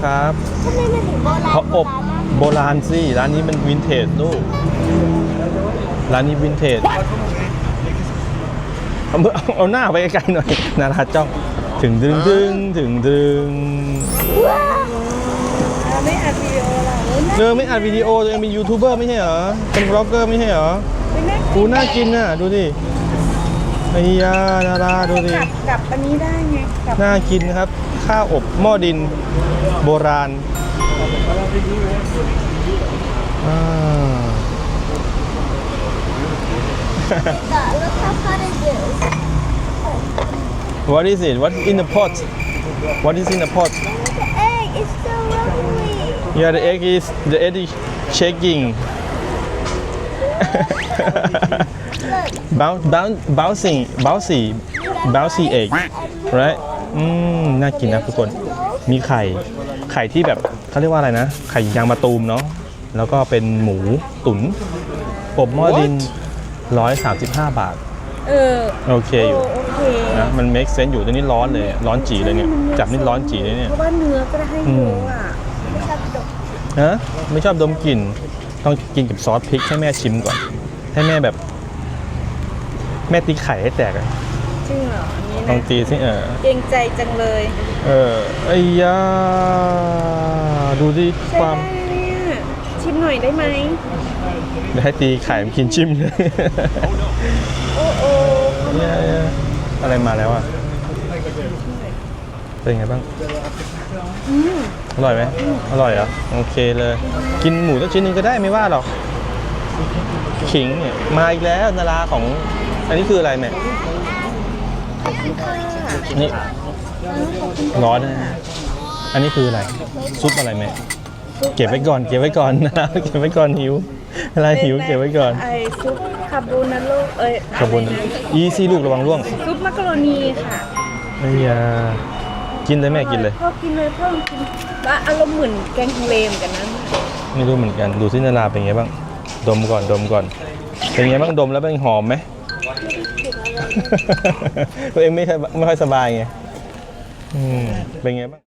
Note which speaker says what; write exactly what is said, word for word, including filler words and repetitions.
Speaker 1: ครับ
Speaker 2: ทำไมมันถึงโบราณ
Speaker 1: เขาอบโบราณสิร้านนี้มันวินเทจลูกร้านนี้วินเทจเอามือเอาหน้าไปไกลๆหน่อยนาราจ้องถึงดึงดึงถึงดึง
Speaker 2: ไม่อัดวิดีโอหรอ
Speaker 1: เออไม่อัดวิดีโอตัวเองเป็นยูทูบเบอร์ไม่ใช่เหรอเป็นบล็อกเกอร์ไม่ใช่เหรอกูน่ากินน่ะดูดิไอ้ยานาราดูดิ
Speaker 2: กับอันนี้ได้ไงกับ
Speaker 1: น่ากินนะครับข้าวอบหม้อดินโบราณอ่า
Speaker 2: Look how hot it is.
Speaker 1: What is it? What in the pot? What is in the pot?
Speaker 2: The egg is so lovely.
Speaker 1: Yeah, the egg is the egg is shaking.
Speaker 2: Look.
Speaker 1: bounce bounce bouncing bouncy bouncy egg right อืมน่ากินนะทุกคนมีไข่ไข่ที่แบบเขาเรียกว่าอะไรนะไข่ยางมะตูมเนาะแล้วก็เป็นหมูตุ๋นอบหม้อดินหนึ่งร้อยสามสิบห้าบาท
Speaker 2: เออ
Speaker 1: โอเคอยู่
Speaker 2: โอเค
Speaker 1: นะมัน make sense อยู่ตอนนี้ร้อนเลยร้อนจีเลยเนี่ยจับนี่ร้อนจีเลยเนี่ย
Speaker 2: เพราะว่าเนื้อก็ได้ให้เยอะอ่ะชอบดก
Speaker 1: ฮะไม่ชอบดมกลิ่นต้องกินกับซอสพริกให้แม่ชิมก่อนให้แม่แบบ แม่ตีไข่ให้แตกอะ
Speaker 2: จริงเหรออันนี้
Speaker 1: ลอง
Speaker 2: นะ
Speaker 1: ตีสิเออ
Speaker 2: เกรงใจจังเลย
Speaker 1: เออไอ้ยาดูดิ
Speaker 2: ใช่
Speaker 1: ความ
Speaker 2: ได้เนี่ยชิมหน่อยได้ไหม
Speaker 1: เดี๋ยวให้ตีไข่มันกินชิมเลย
Speaker 2: โอ้โอ้
Speaker 1: เนี่ยอะไรมาแล้วอ่ะเป็นไงบ้าง
Speaker 2: อืม
Speaker 1: อร่อยไหมอร่อยเหรอโอเคเลย กินหมูสักชิ้นหนึงก็ได้ไม่ว่าหรอกขิงเนี่ยมาอีกแล้วนาราของอันนี้คืออะไรแม่ นี่ร้อนนะอันนี้คืออะไรซุปอะไรแม่เก็บไว้ก่อนเก็บไว้ก่อนนะ เก็บไว้ก่อนหิวอะไรหิวเก็บไว้ก่อน
Speaker 2: ไอซุปคาโบนาโลเอ้ย
Speaker 1: ขอบคุณอีซี่ลูกระวังร่วง
Speaker 2: ซุปมักกะโรนีค่ะ
Speaker 1: ไอ้ยากินเลยแม่กินเลย
Speaker 2: พ่อกินเลยพ่อกินแล้วอารมณ์เหมือนแกงทะเลเหมือนกันนะ
Speaker 1: ไม่รู้เหมือนกันดูซินาราเป็นไงบ้างดมก่อนดมก่อนเป็นไงบ้างดมแล้วเป็นหอมไหม ตัวเองไม่ค่อยไม่ค่อยสบายไงอืมเป็นไงบ้าง